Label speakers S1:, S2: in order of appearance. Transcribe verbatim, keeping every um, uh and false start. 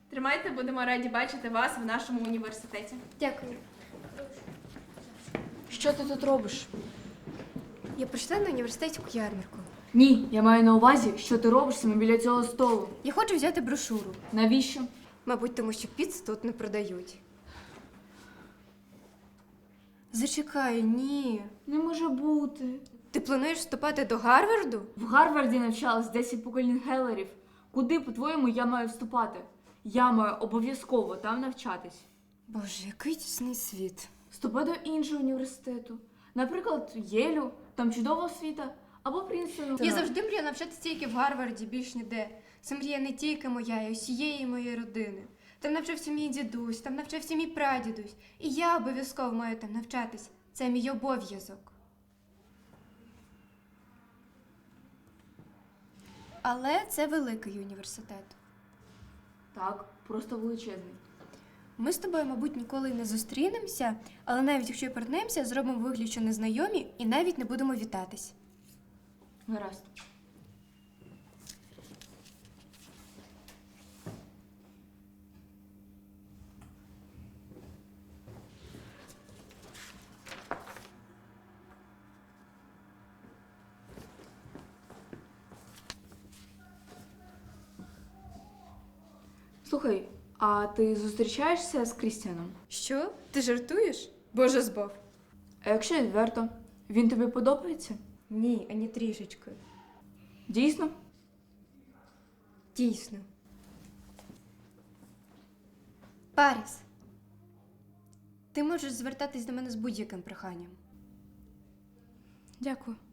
S1: Тримайте, будемо раді бачити вас в нашому університеті.
S2: Дякую.
S3: Що ти тут робиш?
S2: Я прийшла на університетську ярмарку.
S3: Ні, я маю на увазі, що ти робиш саме біля цього столу.
S2: Я хочу взяти брошуру.
S3: Навіщо?
S2: Мабуть, тому що піц тут не продають. Зачекай, ні.
S3: Не може бути.
S2: Ти плануєш вступати до Гарварду?
S3: В Гарварді навчалось десять поколінь Геллерів. Куди, по-твоєму, я маю вступати? Я маю обов'язково там навчатись.
S2: Боже, який тісний світ.
S3: Вступай до іншого університету. Наприклад, Єлю, там чудова освіта, або Принстону.
S2: Я завжди мріяла навчатися тільки в Гарварді, більш ніде. Це мрія не тільки моя, а й усієї моєї родини. Там навчався мій дідусь, там навчався мій прадідусь. І я обов'язково маю там навчатись. Це мій обов'язок. Але це великий університет.
S3: Так, просто величезний.
S2: Ми з тобою, мабуть, ніколи не зустрінемося, але навіть якщо й перетнемося, зробимо вигляд, що незнайомі і навіть не будемо вітатись.
S3: Гаразд. Слухай, а ти зустрічаєшся з Крістіаном?
S2: Що? Ти жартуєш? Боже збав.
S3: А якщо відверто, він тобі подобається?
S2: Ні, ані трішечки.
S3: Дійсно?
S2: Дійсно. Паріс, ти можеш звертатись до мене з будь-яким проханням.
S3: Дякую.